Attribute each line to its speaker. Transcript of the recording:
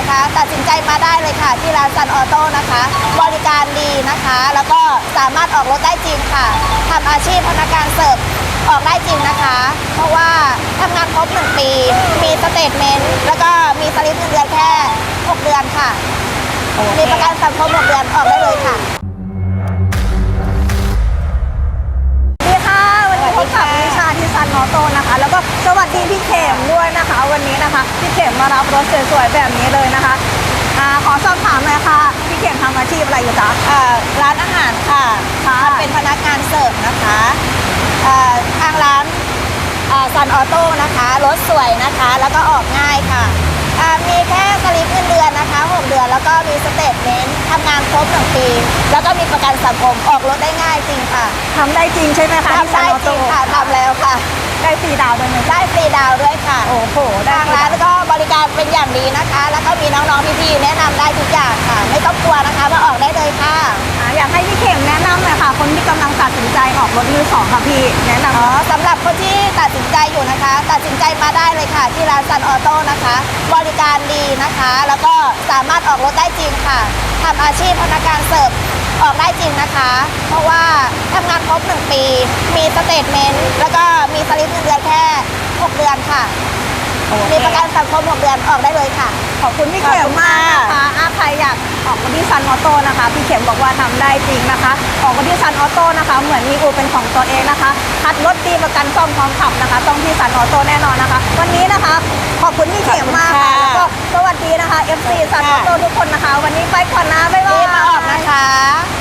Speaker 1: นะคะตัดสินใจมาได้เลยค่ะที่ร้านซันออโต้นะคะบริการดีนะคะแล้วก็สามารถออกรถได้จริงค่ะทำอาชีพพนักงานเสิร์ฟออกได้จริงนะคะ เพราะว่าทำงานครบ1 ปีมีสเตทเมนต์แล้วก็มีสลิปเงินเดือนแค่6 เดือนค่ะมีประกันสังคม6 เดือนออกได้เลยค่ะ
Speaker 2: วันนี้พบกับนิชาที่ซันออโต้นะคะแล้วก็สวัสดีพี่เข็มด้วยนะคะ วันนี้นะคะพี่เข็มมารับรถสวยๆแบบนี้เลยนะคะขอสอบถามหน่อยค่ะพี่เข็มทำอาชีพอะไรอยู่จ๊ะ
Speaker 1: ร้านอาหารค่ะเป็นพนักงานเสิร์ฟนะคะทางร้านซันออโต้นะคะรถสวยนะคะแล้วก็ออกง่ายค่ะมีแค่สลิปเงินเดือนนะคะ6 เดือนแล้วก็มีสเตทเมนต์ทำงานครบ1 ปีแล้วก็มีประกันสังคมออกรถได้ง่ายจริงค่ะ
Speaker 2: ทำได้จริงใช่ไหมคะ
Speaker 1: ทำได้จริงค่ะทำแล้วค่ะ
Speaker 2: ได้ฟรีดาวด้วยไหม
Speaker 1: ได้ฟรีดาวด้วยค่ะ
Speaker 2: โอ้โห
Speaker 1: ทางร้านก็บริการเป็นอย่างดีนะคะแล้วก็มีน้องๆพี่ๆแนะนำได้ทุกอย่างค่ะไม่ต้องกลัวนะคะมาออกได้เลยค่ะ
Speaker 2: อยากให้พี่เข็มแนะนำหน่อยค่ะคนที่กำลังตัดสินใจออกรถมือสองค่ะพี่แนะนำ
Speaker 1: สำหรับคนที่ตัดสินใจอยู่นะคะตัดสินใจมาได้เลยค่ะที่ร้านซันออโต้นะคะบริการดีนะคะแล้วก็สามารถออกรถได้จริงค่ะทำอาชีพพนักงานเสิร์ฟออกได้จริงนะคะเพราะว่าทำงานครบ1 ปีมีสเตทเมนต์แล้วก็มีสลิปเงินเดือนแค่6 เดือนค่ะมีประกันสังคม6 เดือนออกได้เลยค่ะ
Speaker 2: ขอบคุณพี่เข็มมากนะคะใครอยากออกรถที่ซันออโต้นะคะพี่เข็มบอกว่าทำได้จริงนะคะออกรถที่ซันออโต้นะคะเหมือนมีอู่เป็นของตัวเองนะคะคัดรถดีประกันซ่อมพร้อมขับนะคะต้องที่ซันออโต้แน่นอนนะคะวันนี้นะคะขอบคุณพี่เข็มมากค่ะแล้วก็สวัสดีนะคะ FC ซันออโต้ทุกคนนะคะวันนี้ไปก่อนนะบ๊ายบาย
Speaker 1: มาออกนะคะ